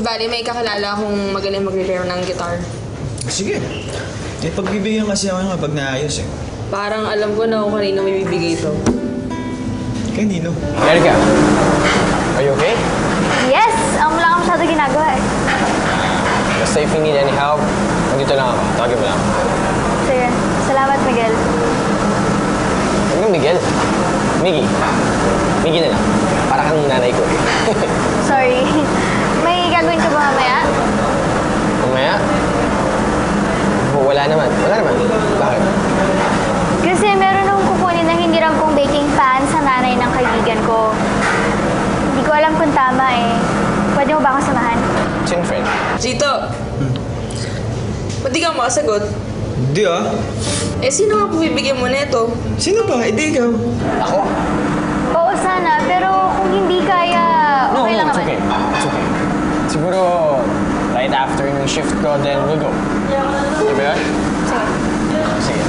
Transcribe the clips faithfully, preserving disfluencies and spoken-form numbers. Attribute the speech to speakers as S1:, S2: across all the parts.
S1: bali, may kakilala akong magaling mag-repair ng guitar.
S2: Sige. Eh, pagbibigyan kasi ako nga pag naayos eh.
S1: Parang alam ko na kung kanino may bibigay ito.
S2: Kay Nino.
S3: Erica, are you okay?
S4: Yes! Um, wala kang masyado ginagawa eh.
S3: Basta if you need any help, nandito lang ako. Tawagin mo lang.
S4: Sige. Salamat, Miguel.
S3: Ano Miguel? Miggy. Miggy na lang. Para kang nanay ko.
S4: Sorry. May gagawin ka ba mamaya?
S3: Mamaya? Oh, wala naman. Wala naman. Bakit?
S4: Kasi meron akong kukunin na hindi rin pong baking pan sa nanay ng kaibigan ko. Hindi ko alam kung tama eh. Pwede mo ba akong samahan?
S3: Chin friend.
S1: Chito! Hmm. Ba't di ka makasagot?
S2: Hindi ah.
S1: Eh, sino nga bibigyan mo nito?
S2: Sino ba? Hindi ikaw.
S3: Ako?
S4: Oo sana, pero kung hindi kaya,
S3: No,
S4: okay
S3: no,
S4: lang
S3: it's
S4: naman.
S3: okay. It's okay. Siguro, right after yung shift ko, then we'll go. Di ba yun?
S4: Sige.
S3: Sige.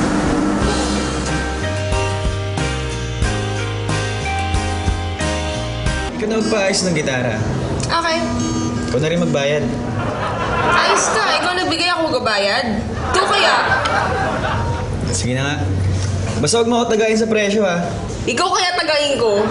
S2: Ikaw na magpaayos ng gitara.
S1: Okay.
S2: Ikaw na rin magbayad.
S1: Ayos ka. Ikaw nagbigay ako gabayad. Ikaw kaya?
S2: Sige na nga. Basta huwag mo ako tagayin sa presyo ah.
S1: Ikaw kaya tagayin ko?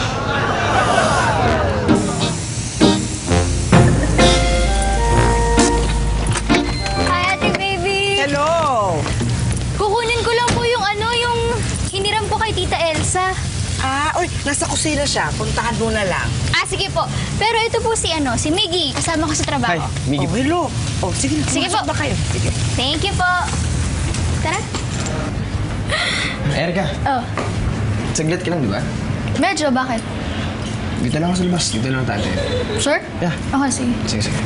S4: Hi, Ate Baby!
S5: Hello!
S4: Kukunin ko lang po yung ano, yung hiniram ko kay Tita Elsa.
S5: Ah, uy, nasa kusina siya. Puntahan mo na lang.
S4: Ah, sige po. Pero ito po si ano, si Miggy. Kasama ko sa trabaho.
S3: Hi, Miggy.
S5: Oh, hello. Oh, sige na.
S4: Sige
S5: pumasok
S4: po.
S5: na kayo. Sige.
S4: Thank you po. Tara.
S3: Erica,
S4: Oh,
S3: saglit ka lang, di ba?
S4: medyo, bakit?
S3: Dito lang ako sa labas. Dito lang tayo.
S4: Sure?
S3: Yeah.
S4: Okay, sige.
S3: Sige, sige.